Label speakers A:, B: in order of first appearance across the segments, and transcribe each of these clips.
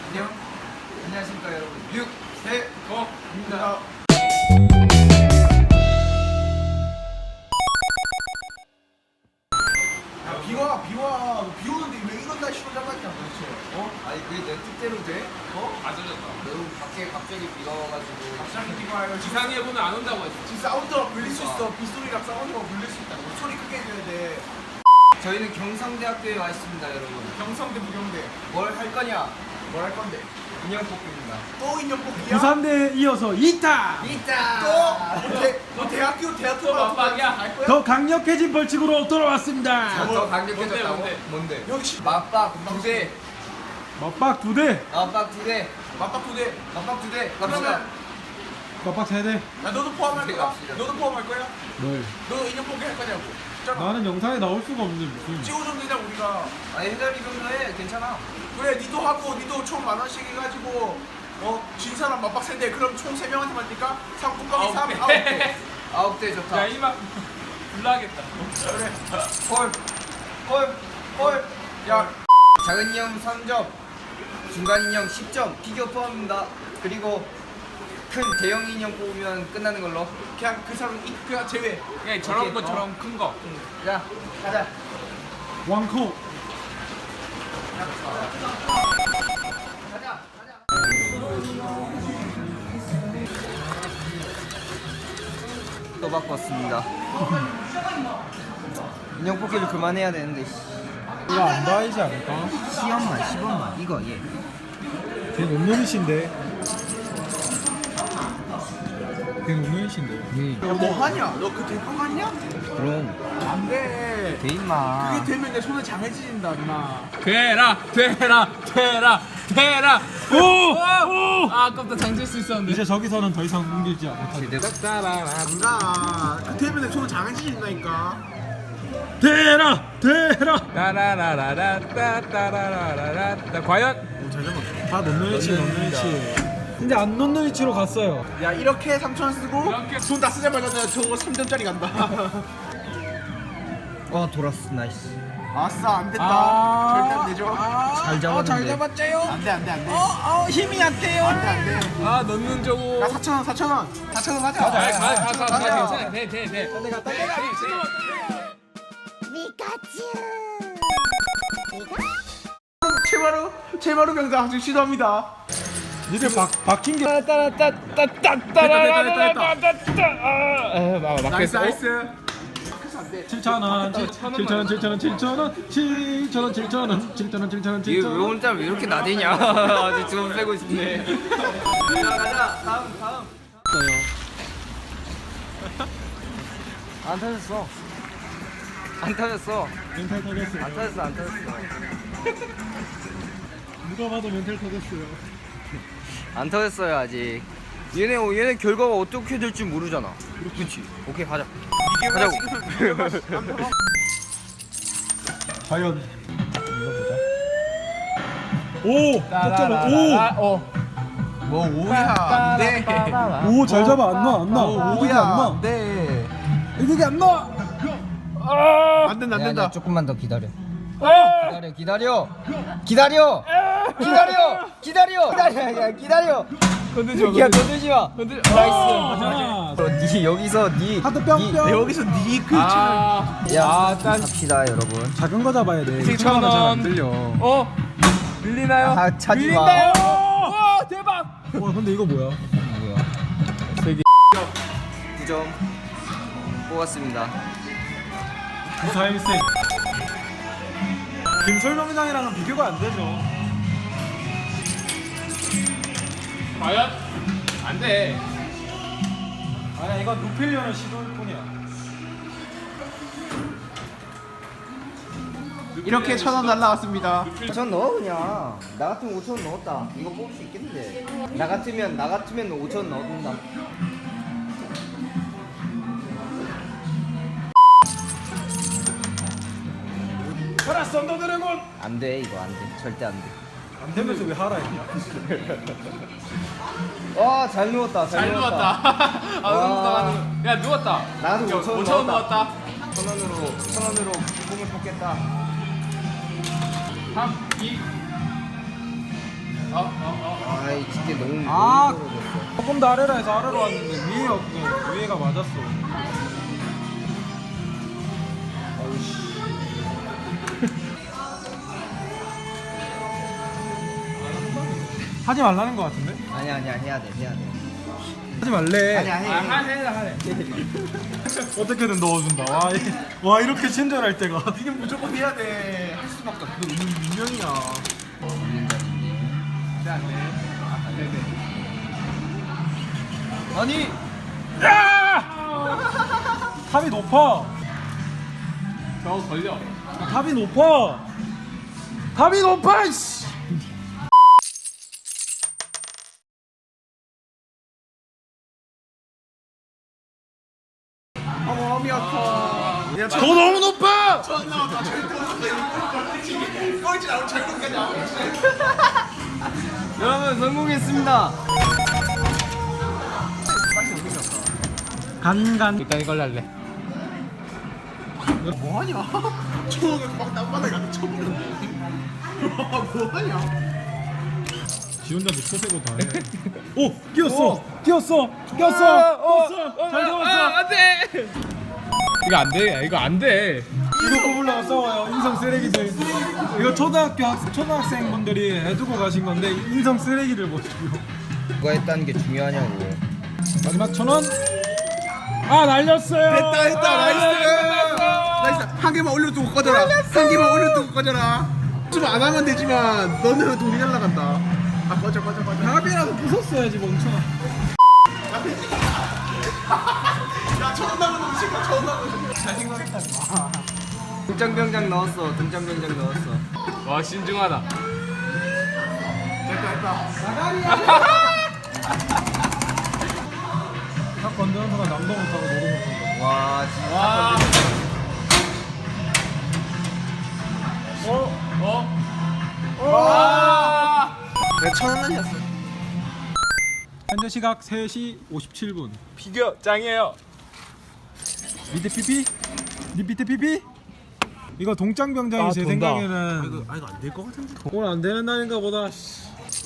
A: 안녕하십니까 여러분. 유세거입니다.
B: 비 오는데 왜 이런 날씨로 잡았냐 도대체?
A: 아니 그게 내 뜻대로 돼?
C: 안 들렸다.
A: 여러분 밖에 갑자기 비가 와가지고
B: 갑자기 비가 와요.
C: 기상에 보면 안 온다고 했어.
B: 지금 사운드가 불릴 수 있어. 빗소리랑 사운드가 불릴 수 있다. 소리 크게 해줘야 돼.
A: 저희는 경상대학교에 와 있습니다 여러분.
B: 경성대 부경대
A: 뭘 할 거냐?
B: 뭘 할 건데?
A: 인형 뽑기입니다.
B: 또 인형 뽑기야?
D: 부산대에 이어서 2타!
A: 있다!
B: 너 대학교
C: 또 맞박이야.
B: 갈 거야?
D: 더 강력해진 벌칙으로 돌아왔습니다.
A: 더 강력해졌다고?
C: 뭔데?
A: 뭔데?
B: 여기 씨
A: 맞박 2대.
D: 맞박 2대,
A: 맞박 2대.
B: 맞박 두대.
A: 맞박 2대. 갑시다.
B: 그러면
D: 맞박 3대.
B: 야 너도 포함할
A: 두대
B: 거야?
A: 갑시다.
B: 너도 포함할 거야?
D: 뭘?
B: 너 인형 뽑기 할 거냐고? 있잖아.
D: 나는 영상에 나올 수가 없는데 무슨.
B: 찍어주면 되잖아 우리가.
A: 아니 해달이 정도 해. 괜찮아.
B: 그래 니도 하고 니도 총 10,000원씩 해가지고 진 사람 맞박 세대 그럼 총 3명한테 맞니까? 상품값이 3, 9개
A: 9대 좋다.
C: 야 이만 불나겠다.
B: 그래.
A: 콜.
B: 야
A: 작은 인형 3점, 중간 인형 10점, 피규어 포함입니다. 그리고 큰 대형 인형 뽑으면 끝나는 걸로.
B: 그냥 그 사람 그냥 제외.
C: 그냥 저런
A: 오케이.
C: 것처럼 큰 거.
A: 자, 가자.
D: 왕코.
A: 가자. 또 바꿨습니다. 인형 뽑기를 그만해야 되는데.
D: 이거 안 봐야지 않을까?
A: 10원만. 이거 얘.
D: 걔 논논이신데. 걔 논논이신데.
B: 야, 뭐 하냐? 너 그 대포 갔냐?
A: 그럼
B: 안 돼.
A: 돼 임마.
B: 그게 되면 내 손에 장해진다 누나.
C: 되라. 오! 아 아깝다 장질 수 있었는데.
D: 이제 저기서는 더 이상 옮기지 않을까?
A: 제대로.
B: 누나 그 되면 내 손에 장해진다니까.
D: 대라!
C: 따라라라라따따라라라따 과연?
D: 다 논논이치. 근데 안 논논이치로 갔어요.
B: 야 이렇게 3,000원 쓰고
C: 이렇게.
B: 돈 다 쓰자마자 저거 3점짜리 간다.
A: 돌았어. 나이스.
B: 아싸 안 됐다.
D: 아.
B: 절대 안 되죠.
A: 잘 잡았는데.
B: 잘 잡았죠요? 안돼. 힘이 안 돼요. 안돼.
C: 아 넣는 저거.
B: 야 4,000원 하자.
C: 가
B: 가자.
C: 괜찮아 돼.
B: 최마루 병장 아주 시도합니다.
D: 니들 박힌 게.
B: 나이스.
D: 7,000원, 7,000원.
A: 이게 왜 오늘따라 왜 이렇게 나대냐? 아직 좀 빼고 싶네. 가자. 다음. 안 터졌어.
D: 멘탈 터졌어요.
A: 안 터졌어.
D: 누가 봐도 멘탈 터졌어요.
A: 안 터졌어요 아직. 얘네 결과가 어떻게 될지 모르잖아. 그렇지. 오케이 가자. 가자고.
D: 과연 눌러보자. 오! 득점은
B: 뭐 오야 안돼.
D: 오! 오, 잘 잡아. 안 나. 이게 안 나.
B: 네.
D: 이게 안 나.
B: 안 된다.
A: 조금만 더 기다려. 기다려.
C: 건들지 마.
A: 야 건들지 마.
C: 나이스.
A: 니 여기서 니
D: 하트 뿅뿅.
B: 여기서 니 글씨는
A: 야 갑시다 여러분.
D: 작은 거 잡아야 돼.
C: 7,000원.
D: 잘안 들려.
C: 밀리나요?
A: 아 차지 마.
C: 밀린다요. 와 대박.
D: 와, 근데 이거 뭐야?
A: 9점 뽑았습니다.
D: 구사일생. 김설명장이랑은 비교가 안 되죠.
C: 과연? 안 돼.
D: 아니야, 이건 높이려는 시도일 뿐이야.
B: 이렇게 1,000원 날라왔습니다.
A: 5천 넣어 그냥. 나 같으면 5천 넣었다. 이거 뽑을 수 있겠는데. 나 같으면 5천 넣는다.
D: 가라, 썬더 드래곤.
A: 안 돼 이거 안 돼. 절대 안 돼.
D: 안 되면서 왜 하라 했냐?
A: 잘 누웠다.
C: 잘 누웠다. 야 누웠다.
A: 나도 5천
C: 5,000원 누웠다.
A: 1,000원으로 꿈을 뽑겠다.
C: 3, 2.
A: 아이 진짜 너무
D: 아.
A: 너무 떨어졌어.
D: 조금 더 아래로 해서 아래로 왔는데 위에 없고 위에가 맞았어. 하지 말라는 것 같은데?
A: 아니야 해야 돼.
D: 하지 말래.
A: 아니야 해.
C: 하래.
D: 어떻게든 넣어준다. 와 이렇게 친절할 때가.
B: 이게 무조건 해야 돼. 할 수밖에 없어.
D: 분명이야.
A: 아니
D: 탑이 높아.
C: 저거 걸려.
D: 탑이 높아. 탑이 높아. 씨.
A: 마음이 아파.
B: 야,
D: 더 너무 높아.
B: 전 나왔다. 절대 없어. 꼴찌 나오면 절대까지 나오고.
A: 여러분 성공했습니다.
D: 간간.
C: 일단 이걸로 할래.
B: 뭐하냐? 초록에 막 땅바닥에 가서 쳐버렸네. 뭐하냐?
D: 지 혼자도 초세고 다 해. 오 끼었어. 끼었어. 잘 잡았어.
C: 안돼. 이거 안 돼. 이거 안 돼.
D: 이거 뽑으려고 싸워요. 인성 쓰레기들. 이거 초등학생분들이 해두고 가신 건데 인성 쓰레기를 못 주고.
A: 누가 했다는 게 중요하냐고.
D: 마지막 1,000원. 아 날렸어요.
B: 됐다. 나이스. 한 개만 올려두고 꺼져라. 한 개만 올려두고 꺼져라. 좀 안 하면 되지만 너는 돈이 날라간다. 아 꺼져.
D: 합이라도 부쉈어야지 멍청아.
B: 야 처음 나오는 음식과 처음 나오는 음식. 잘 생각했다.
A: 등장병장 넣었어. 등장병장 넣었어.
C: 와 신중하다.
B: 됐다.
D: 딱 건드는 순간 남도 못하고 너도 못하고.
A: 와 진짜.
C: 와. 와.
A: 내가 1,000원 날렸어.
D: 현재 시각 3시 57분.
C: 비교 짱이에요.
D: 밑에 피피? 니 밑에 피피? 이거 동장병장이 제
C: 돈다.
D: 생각에는
B: 이거 안 될 것 같은데.
D: 오늘 안 되는 날인가 보다. 씨.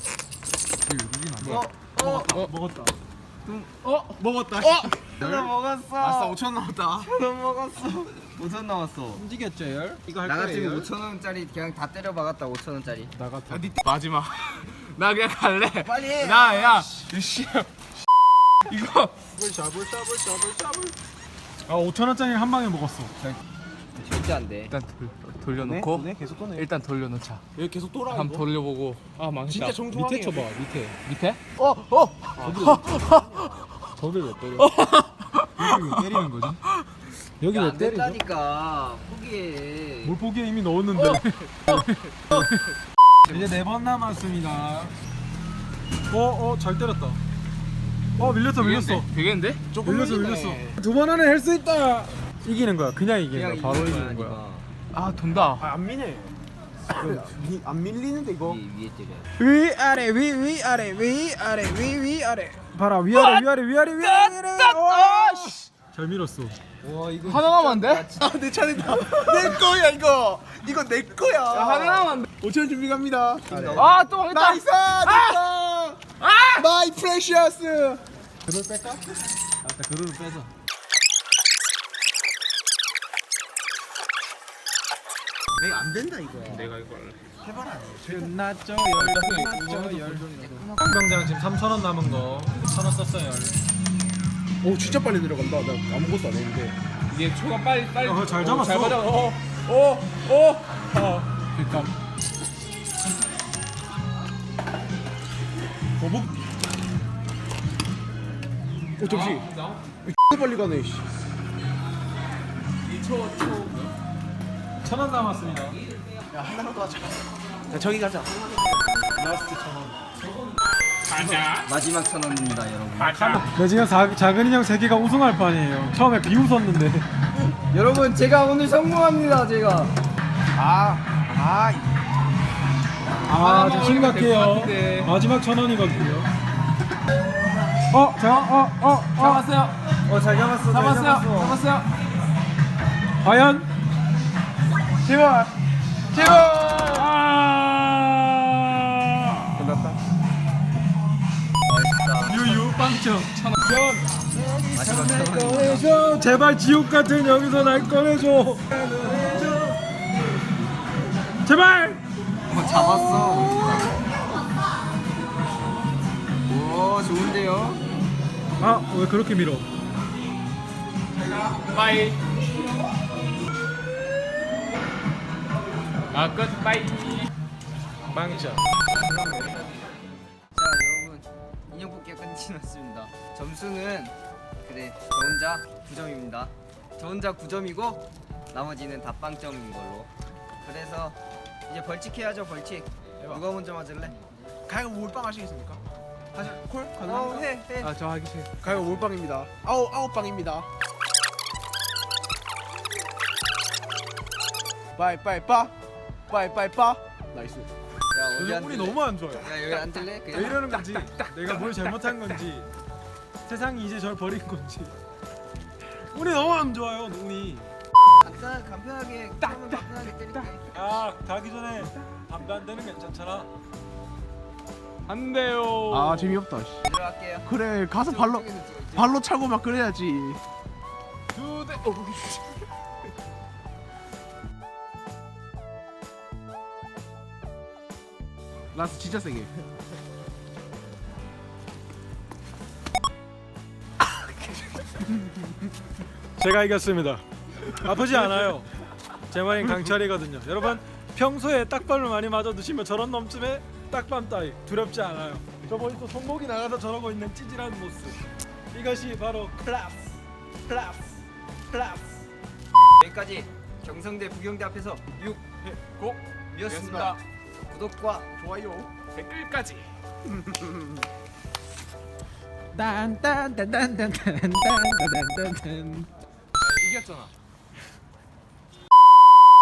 D: 먹었다.
B: 먹었다.
A: 나 먹었어.
B: 아싸 5천 나왔다.
A: 5,000원 먹었어. 5,000원 남았어.
D: 움직였죠 열? 이거 할
A: 나
D: 거예요.
A: 같으면 5,000원짜리 그냥 다 때려 박았다. 5,000원짜리.
D: 나갔다.
C: 마지막. 나 그냥 갈래.
A: 빨리 해.
C: 나야. 씨. 이거
B: 샤블.
D: 아 5,000원짜리 한 방에 먹었어.
A: 절대 안 돼.
C: 일단 돌려놓고
B: 계속 꺼내.
C: 일단 돌려놓자.
B: 여기 계속 돌아.
C: 한번 돌려보고. 아 망했다.
B: 진짜 정중하게.
D: 밑에 쳐봐 밑에.
C: 밑에?
D: 저를 왜 때려? 여기 왜 때리는 거지? 여기
A: 야,
D: 왜
A: 안
D: 때리죠?
A: 된다니까. 포기해.
D: 뭘 포기해 이미 넣었는데. 이제 4번 남았습니다. 잘 때렸다. 밀렸어.
C: 되겠는데?
D: 밀렸어. 2번 안에 할 수 있다. 이기는 거야. 그냥 이기는 거야. 바로
A: 이기는
D: 이기는 거야.
A: 네가.
C: 아 돈다.
B: 안 미네. 안 밀리는데 이거.
A: 위에 때려.
D: 위아래 위아래 위아래. 봐라 위아래. 잘 밀었어.
A: 와 이거
C: 하나 남으면 안 돼?
B: 아 내 차례다. 내 거야 이거. 이거 내 거야.
C: 하나 남으면 안 돼?
B: 5천 준비 갑니다.
C: 아 또 망했다.
B: 나이스. 됐다. 마이 프레셔스.
D: 그걸 뺄까? 아따 그릇을 빼자.
B: 내가 안 된다 이거.
C: 내가 이거 할래.
D: 끝났죠 열. 병장 지금 3,000원 남은 거 1,000원 썼어요 열.
B: 오 진짜 빨리 들어간다. 나 아무것도 안 했는데.
C: 이게 초가 빨리.
D: 잘 잡았어.
C: 잘 맞아.
D: 그러니까 거북
B: 오 잠시. 빨리 가네. 씨.
D: 1,000원 남았습니다.
B: 야 하나만 더 하자. 야 저기 가자.
D: 라스트 1,000원.
A: 마지막 1,000원입니다, 여러분.
D: 네 지금 작은 인형 3개가 우승할 판이에요. 처음에 비웃었는데.
A: 여러분 제가 오늘 성공합니다, 제가.
D: 좀 심각해요.
C: 같은데.
D: 마지막 1,000원이거든요.
C: 잡았어요.
A: 잘 잡았어.
C: 잡았어요.
D: 과연?
B: 제발.
D: 아!
B: 끝났다.
D: 그쵸?
A: 마지막
D: 날 꺼내줘. 제발 지옥 같은 여기서 날 꺼내줘. 제발.
A: 잡았어. 오 좋은데요?
D: 아 왜 그렇게 밀어?
C: 빠이. 아 끝. 빠이.
D: 망쳐.
A: 자 여러분 인형 뽑기가 끝이 났습니다. 점수는 그래 저 혼자 9점입니다. 저 혼자 9점이고 나머지는 다 빵점인 걸로. 그래서 이제 벌칙 해야죠. 벌칙. 누가 먼저 맞을래?
B: 가위가 몰빵 하시겠습니까? 하실 콜 가능합니까?
A: 해.
D: 저 하기 싫어.
B: 가위가 몰빵입니다. 아홉 빵입니다. 빠이빠이빠 나이스.
A: 야 어디
D: 요즘 운이
A: 앉을래?
D: 너무 안 좋아요.
A: 야 여기 앉을래?
D: 왜
A: 그냥
D: 이러는 건지, 내가 뭘 잘못한 건지, 세상이 이제 절 버린 건지. 운이 너무 안 좋아요. 운이.
A: 간편하게 하면 간편하게 때릴게.
D: 아 가기 전에 담배 한 대는 괜찮잖아.
C: 안 돼요.
B: 아 재미없다. 씨.
A: 들어갈게요.
B: 그래 가서 발로 차고 막 그래야지.
C: 두 대.
B: 라스 진짜 세게.
D: 제가 이겼습니다. 아프지 않아요. 제 말인 강철이거든요. 여러분 평소에 딱밤을 많이 맞아 드시면 저런 놈쯤에 딱밤 따위 두렵지 않아요. 저 보니 또 손목이 나가서 저러고 있는 찌질한 모습. 이것이 바로 클래스.
A: 여기까지 경성대 부경대 앞에서
C: 고.
A: 유였습니다. 구독과
B: 좋아요.
C: 댓글까지.
D: 딴딴딴딴딴딴딴딴딴.
C: 이겼잖아.